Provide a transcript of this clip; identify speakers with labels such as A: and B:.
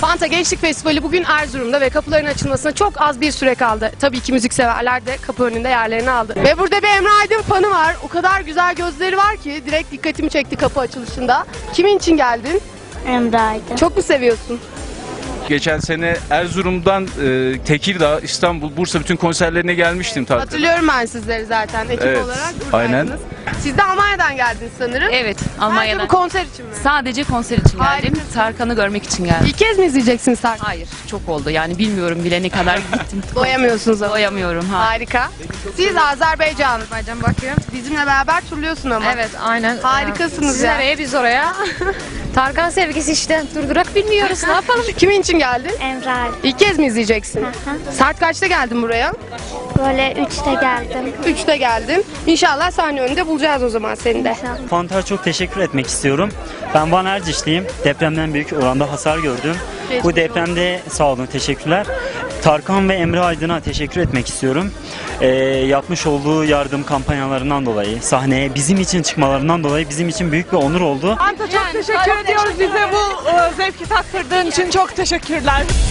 A: Fanta Gençlik Festivali bugün Erzurum'da ve kapıların açılmasına çok az bir süre kaldı. Tabii ki müzikseverler de kapı önünde yerlerini aldı. Ve burada bir Emre Aydın fanı var. O kadar güzel gözleri var ki direkt dikkatimi çekti kapı açılışında. Kimin için geldin?
B: Emre Aydın.
A: Çok mu seviyorsun?
C: Geçen sene Erzurum'dan Tekirdağ, İstanbul, Bursa bütün konserlerine gelmiştim.
A: Hatırlıyorum ben sizleri zaten ekip
C: Evet,
A: olarak
C: aynen.
A: buradaydınız. Siz de Almanya'dan geldiniz sanırım.
D: Evet,
A: Sadece
D: Almanya'dan.
A: bu konser için mi?
D: Sadece konser için geldim.
A: Harikasın.
D: Tarkan'ı görmek için geldim.
A: İlk kez mi izleyeceksiniz Tarkan?
D: Hayır, çok oldu. Yani bilmiyorum bile ne kadar gittim.
A: Doyamıyorsunuz ama.
D: Doyamıyorum. Ha.
A: Harika. Siz Azerbaycan.
E: Azerbaycan bakıyorum.
A: Bizimle beraber turluyorsun ama.
E: Evet, aynen.
A: Harikasınız
E: Siz
A: ya.
E: nereye, biz oraya. Tarkan sevgisi işte. Durdurak bilmiyoruz. Ne yapalım?
A: Kimin için geldin?
B: Emre Aydın.
A: İlk kez mi izleyeceksin? Saat kaçta geldin buraya?
B: Böyle 3'te geldim.
A: 3'te geldin. İnşallah sahne önünde bulacağız o zaman seni de.
F: Fanta'ya çok teşekkür etmek istiyorum. Ben Van Ercişliyim. Depremden büyük oranda hasar gördüm. Bu depremde sağ olun, teşekkürler. Tarkan ve Emre Aydın'a teşekkür etmek istiyorum. Yapmış olduğu yardım kampanyalarından dolayı, sahneye bizim için çıkmalarından dolayı bizim için büyük bir onur oldu.
G: Fanta çok teşekkür ediyoruz bize bu zevki tattırdığın için, çok teşekkürler.